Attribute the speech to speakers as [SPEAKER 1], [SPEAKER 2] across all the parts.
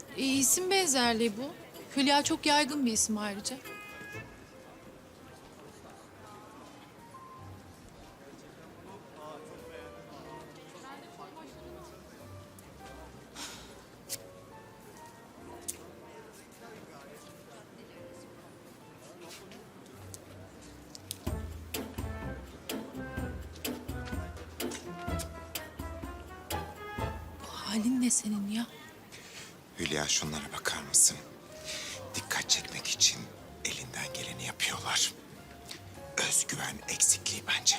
[SPEAKER 1] İsim benzerliği bu. Hülya çok yaygın bir isim ayrıca. Bu halin ne senin ya?
[SPEAKER 2] Hülya şunlara bakar mısın? Dikkat çekmek için elinden geleni yapıyorlar. Özgüven eksikliği bence.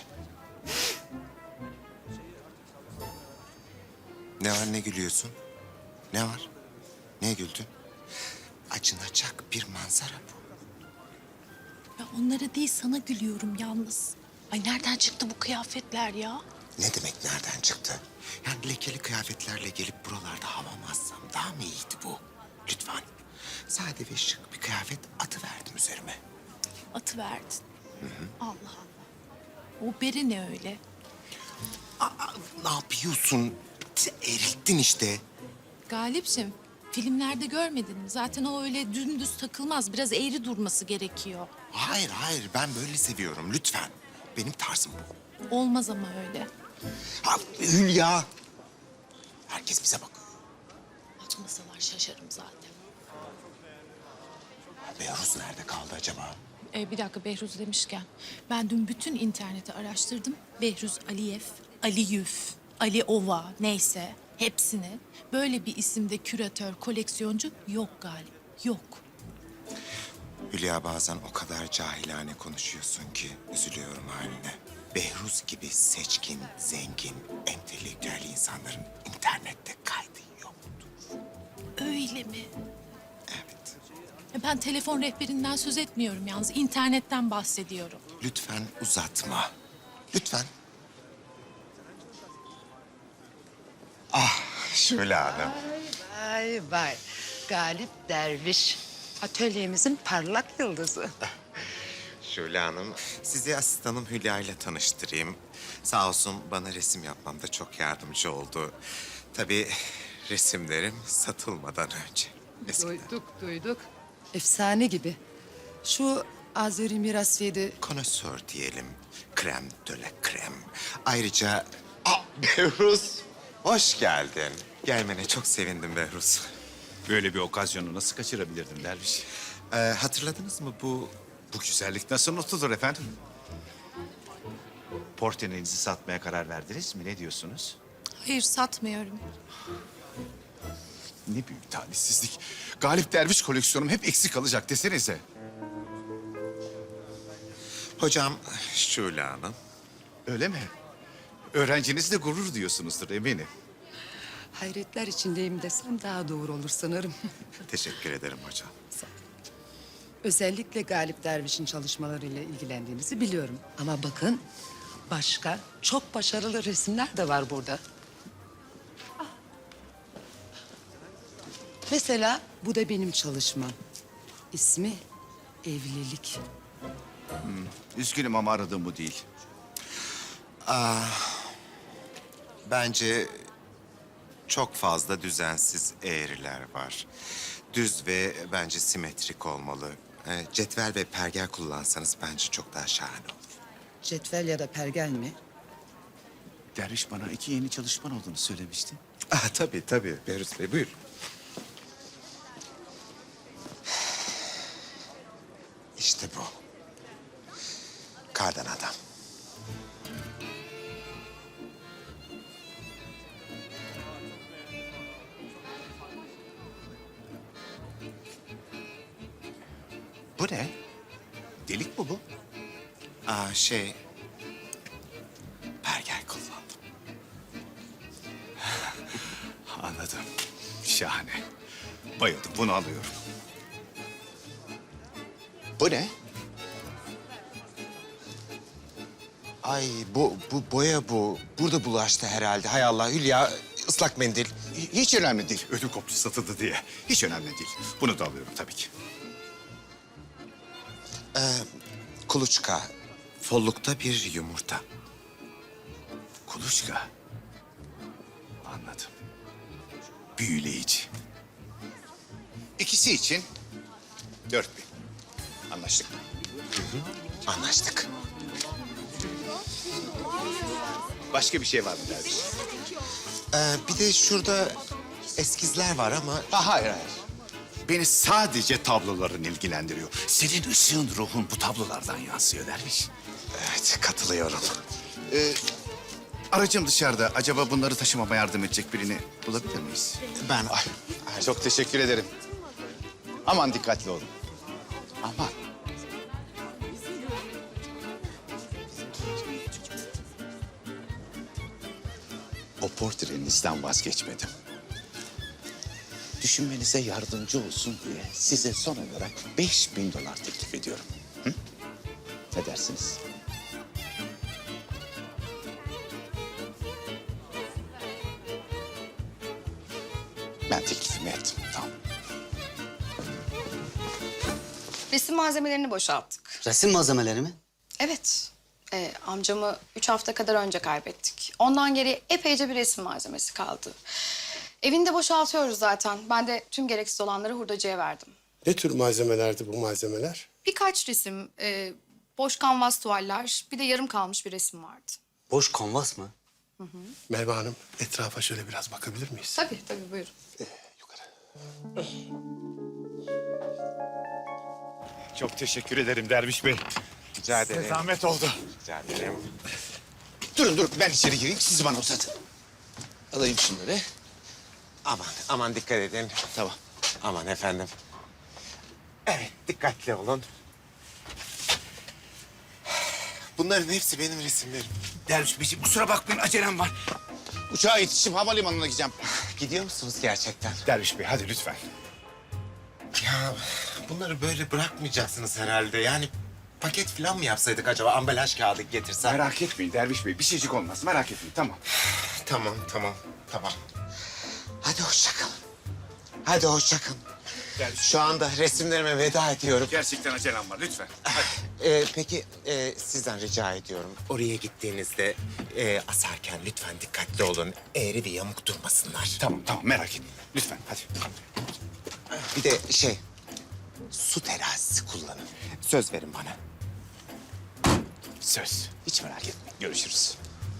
[SPEAKER 2] Ne var, ne gülüyorsun? Ne var? Niye güldün? Acınacak bir manzara bu.
[SPEAKER 1] Ya onlara değil sana gülüyorum yalnız. Ay nereden çıktı bu kıyafetler ya?
[SPEAKER 2] Ne demek nereden çıktı? Yani lekeli kıyafetlerle gelip buralarda havamazsam daha mı iyiydi bu? Lütfen. Sade ve şık bir kıyafet atıverdim üzerime.
[SPEAKER 1] Atı verdin. Allah Allah. O beri ne öyle?
[SPEAKER 2] Aa, ne yapıyorsun? Erittin işte.
[SPEAKER 1] Galipciğim, filmlerde görmedin mi? Zaten o öyle dümdüz takılmaz. Biraz eğri durması gerekiyor.
[SPEAKER 2] Hayır, hayır. Ben böyle seviyorum. Lütfen. Benim tarzım bu.
[SPEAKER 1] Olmaz ama öyle.
[SPEAKER 2] Ha, Hülya. Herkes bize bakıyor.
[SPEAKER 1] Atmasalar şaşarım zaten.
[SPEAKER 2] Behruz nerede kaldı acaba?
[SPEAKER 1] Bir dakika Behruz demişken. Ben dün bütün interneti araştırdım. Behruz Aliyev, Aliyüf, Ali Ova neyse hepsini. Böyle bir isimde küratör, koleksiyoncu yok Galip. Yok.
[SPEAKER 2] Hülya bazen o kadar cahilane konuşuyorsun ki üzülüyorum haline. Behruz gibi seçkin, zengin, entelektüel insanların internette kaydı yoktur.
[SPEAKER 1] Öyle mi?
[SPEAKER 2] Evet.
[SPEAKER 1] Ben telefon rehberinden söz etmiyorum yalnız. İnternetten bahsediyorum.
[SPEAKER 2] Lütfen uzatma. Lütfen. Ah, Şule Hanım.
[SPEAKER 3] Vay vay. Galip Derviş. Atölyemizin parlak yıldızı.
[SPEAKER 2] Şule Hanım, sizi asistanım Hülya ile tanıştırayım. Sağ olsun bana resim yapmamda çok yardımcı oldu. Tabii resimlerim satılmadan önce. Eskiden.
[SPEAKER 3] Duyduk. Efsane gibi. Şu Azeri Mirasiyede
[SPEAKER 2] Konosör diyelim. Krem de la krem. Ayrıca... Behruz, hoş geldin. Gelmene çok sevindim Behruz.
[SPEAKER 4] Böyle bir okazyonu nasıl kaçırabilirdin derviş?
[SPEAKER 2] Hatırladınız mı bu...
[SPEAKER 4] Bu güzellik nasıl unutulur efendim? Portreninizi satmaya karar verdiniz mi? Ne diyorsunuz?
[SPEAKER 1] Hayır satmıyorum.
[SPEAKER 4] Ne büyük talihsizlik. Galip Derviş koleksiyonum hep eksik kalacak desenize.
[SPEAKER 2] Hocam Şule Hanım.
[SPEAKER 4] Öyle mi? Öğrencinizle gurur duyuyorsunuzdur eminim.
[SPEAKER 3] hayretler içindeyim desem daha doğru olur sanırım.
[SPEAKER 2] Teşekkür ederim hocam.
[SPEAKER 3] Özellikle Galip Derviş'in çalışmalarıyla ilgilendiğinizi biliyorum. Ama bakın başka çok başarılı resimler de var burada. Ah. Mesela bu da benim çalışmam. İsmi Evlilik.
[SPEAKER 4] Üzgünüm ama aradığım bu değil.
[SPEAKER 2] Bence çok fazla düzensiz eğriler var. Düz ve bence simetrik olmalı. Cetvel ve pergel kullansanız bence çok daha şahane olur.
[SPEAKER 3] Cetvel ya da pergel mi?
[SPEAKER 4] Derviş bana 2 yeni çalışman olduğunu söylemişti.
[SPEAKER 2] Tabii. Behruz Bey buyur. İşte bu. Kardan adam.
[SPEAKER 4] Bu ne? Delik mi bu?
[SPEAKER 2] Pergel kullandım.
[SPEAKER 4] Anladım. Şahane. Bayıldım. Bunu alıyorum.
[SPEAKER 2] Bu ne? Ay bu boya bu. Burada bulaştı herhalde. Hay Allah Hülya ıslak mendil.
[SPEAKER 4] Hiç önemli değil. Ödül koptu satıldı diye. Hiç önemli değil. Bunu da alıyorum tabii ki.
[SPEAKER 2] Kuluçka. Follukta bir yumurta.
[SPEAKER 4] Kuluçka. Anladım. Büyüleyici. İkisi için 4000. Anlaştık mı?
[SPEAKER 2] Anlaştık.
[SPEAKER 4] Başka bir şey var mı derviş?
[SPEAKER 2] Bir de şurada eskizler var ama...
[SPEAKER 4] Hayır, hayır. Beni sadece tabloların ilgilendiriyor. Senin ışığın, ruhun bu tablolardan yansıyor derviş.
[SPEAKER 2] Evet, katılıyorum.
[SPEAKER 4] Aracım dışarıda. Acaba bunları taşımama yardım edecek birini bulabilir miyiz?
[SPEAKER 2] Ben...
[SPEAKER 4] Çok teşekkür ederim. Aman dikkatli olun. Aman. O portrenizden vazgeçmedim. Düşünmenize yardımcı olsun diye size son olarak $5000 teklif ediyorum. Hı? Ne dersiniz? Ben teklifimi ettim. Tamam.
[SPEAKER 5] Resim malzemelerini boşalttık.
[SPEAKER 6] Resim malzemeleri mi?
[SPEAKER 5] Evet. Amcamı 3 hafta kadar önce kaybettik. Ondan geri epeyce bir resim malzemesi kaldı. Evini de boşaltıyoruz zaten. Ben de tüm gereksiz olanları hurdacıya verdim.
[SPEAKER 7] Ne tür malzemelerdi bu malzemeler?
[SPEAKER 5] Birkaç resim, boş kanvas tuvaller, bir de yarım kalmış bir resim vardı.
[SPEAKER 6] Boş kanvas mı?
[SPEAKER 7] Merve Hanım, etrafa şöyle biraz bakabilir miyiz?
[SPEAKER 5] Tabii, tabii buyurun.
[SPEAKER 7] Yukarı.
[SPEAKER 4] Çok teşekkür ederim Derviş Bey.
[SPEAKER 2] Rica ederim.
[SPEAKER 4] Size zahmet oldu.
[SPEAKER 2] Rica ederim.
[SPEAKER 4] Durun ben içeri gireyim. Siz bana uzatın. Alayım şunları.
[SPEAKER 2] Aman dikkat edin.
[SPEAKER 4] Tamam.
[SPEAKER 2] Aman efendim. Evet, dikkatli olun. Bunların hepsi benim resimlerim.
[SPEAKER 4] Derviş Beyciğim kusura bakmayın acelem var. Uçağa yetiştim havalimanına gideceğim.
[SPEAKER 2] Gidiyor musunuz gerçekten?
[SPEAKER 4] Derviş Bey hadi lütfen.
[SPEAKER 2] Ya bunları böyle bırakmayacaksınız herhalde. Yani paket falan mı yapsaydık acaba? Ambalaj kağıdı getirsem.
[SPEAKER 4] Merak etmeyin Derviş Bey bir şeycik olmaz merak etmeyin tamam.
[SPEAKER 2] Tamam. Hadi hoşça kalın. Hadi hoşça kalın. Şu anda resimlerime veda ediyorum.
[SPEAKER 4] Gerçekten acelem var lütfen.
[SPEAKER 2] Peki sizden rica ediyorum. Oraya gittiğinizde asarken lütfen dikkatli olun. Eğri ve yamuk durmasınlar.
[SPEAKER 4] Tamam merak etmeyin lütfen hadi.
[SPEAKER 2] Bir de su terazisi kullanın. Söz verin bana.
[SPEAKER 4] Söz hiç merak etmeyin görüşürüz.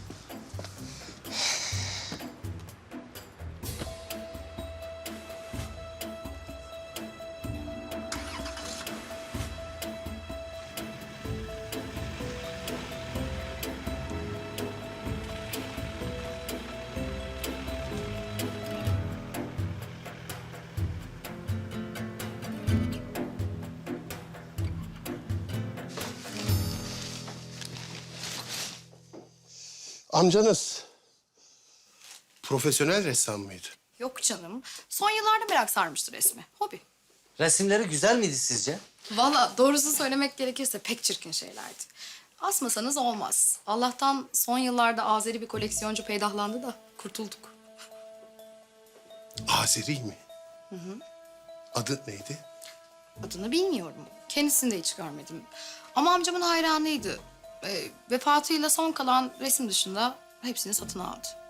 [SPEAKER 7] Amcanız profesyonel ressam mıydı?
[SPEAKER 5] Yok canım. Son yıllarda merak sarmıştı resmi. Hobi.
[SPEAKER 6] Resimleri güzel miydi sizce?
[SPEAKER 5] Vallahi doğrusunu söylemek gerekirse pek çirkin şeylerdi. Asmasanız olmaz. Allah'tan son yıllarda Azeri bir koleksiyoncu peydahlandı da kurtulduk.
[SPEAKER 7] Azeri mi? Adı neydi?
[SPEAKER 5] Adını bilmiyorum. Kendisini de hiç görmedim. Ama amcamın hayranıydı. Vefatıyla son kalan resim dışında hepsini satın aldı.